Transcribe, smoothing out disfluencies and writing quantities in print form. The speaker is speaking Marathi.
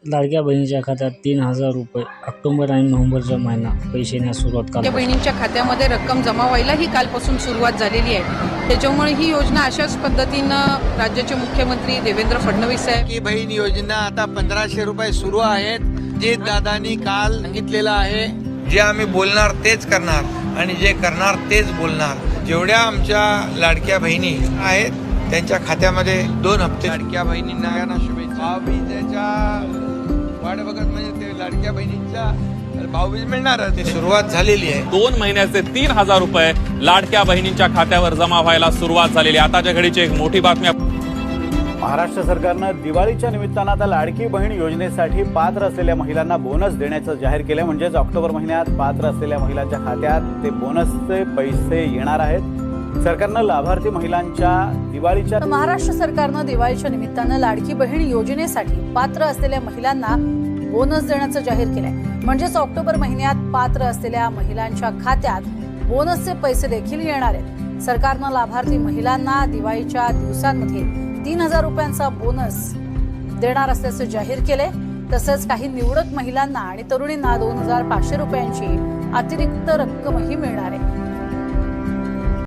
लाडक्या बहिणीच्या खात्यात 3,000 रुपये ऑक्टोबर आणि नोव्हेंबरचा महिना पैसे येण्यास सुरुवात लाडक्या करा. बहिणींच्या खात्यामध्ये रक्कम जमा व्हायलाही कालपासून सुरुवात झालेली आहे. त्याच्यामुळे ही योजना अशाच पद्धतीनं राज्याचे मुख्यमंत्री देवेंद्र फडणवीस साहेब की बहीण योजना आता 1500 रुपये सुरू आहेत. जे दादांनी काल सांगितलेलं आहे, जे आम्ही बोलणार तेच करणार आणि जे करणार तेच बोलणार. जेवढ्या आमच्या लाडक्या बहिणी आहेत त्यांच्या खात्यामध्ये 2 हप्ते लाडक्या बहिणींना यांना शुभेच्छा. भाऊबीजेच्या वाट बघत म्हणजे ते लाडक्या बहिणींच्या भाऊबीज मिळणार ते सुरुवात झालेली आहे. 2 महिन्याचे 3,000 रुपये लाडक्या बहिणींच्या खात्यावर जमा व्हायला सुरुवात झालेली. आताच्या घडीची एक मोठी बातमी. महाराष्ट्र सरकारनं दिवाळीच्या निमित्तानं आता लाडकी बहीण योजनेसाठी पात्र असलेल्या महिलांना बोनस देण्याचं जाहीर केलं. म्हणजेच ऑक्टोबर महिन्यात पात्र असलेल्या महिलांच्या खात्यात ते बोनसचे पैसे येणार आहेत. सरकारनं लाभार्थी महिलांच्या दिवाळीच्या महाराष्ट्र सरकारनं दिवाळीच्या निमित्तानं लाडकी बहीण योजनेसाठी पात्र असलेल्या महिलांना बोनस देण्याचं जाहीर केलंय. म्हणजेच ऑक्टोबर महिन्यात पात्र असलेल्या महिलांच्या खात्यात बोनसचे पैसे देखील येणार आहेत. सरकारनं लाभार्थी महिलांना दिवाळीच्या दिवसांमध्ये 3,000 रुपयांचा बोनस देणार असल्याचं जाहीर केलंय. तसंच काही निवडक महिलांना आणि तरुणींना 2,500 रुपयांची अतिरिक्त रक्कमही मिळणार आहे.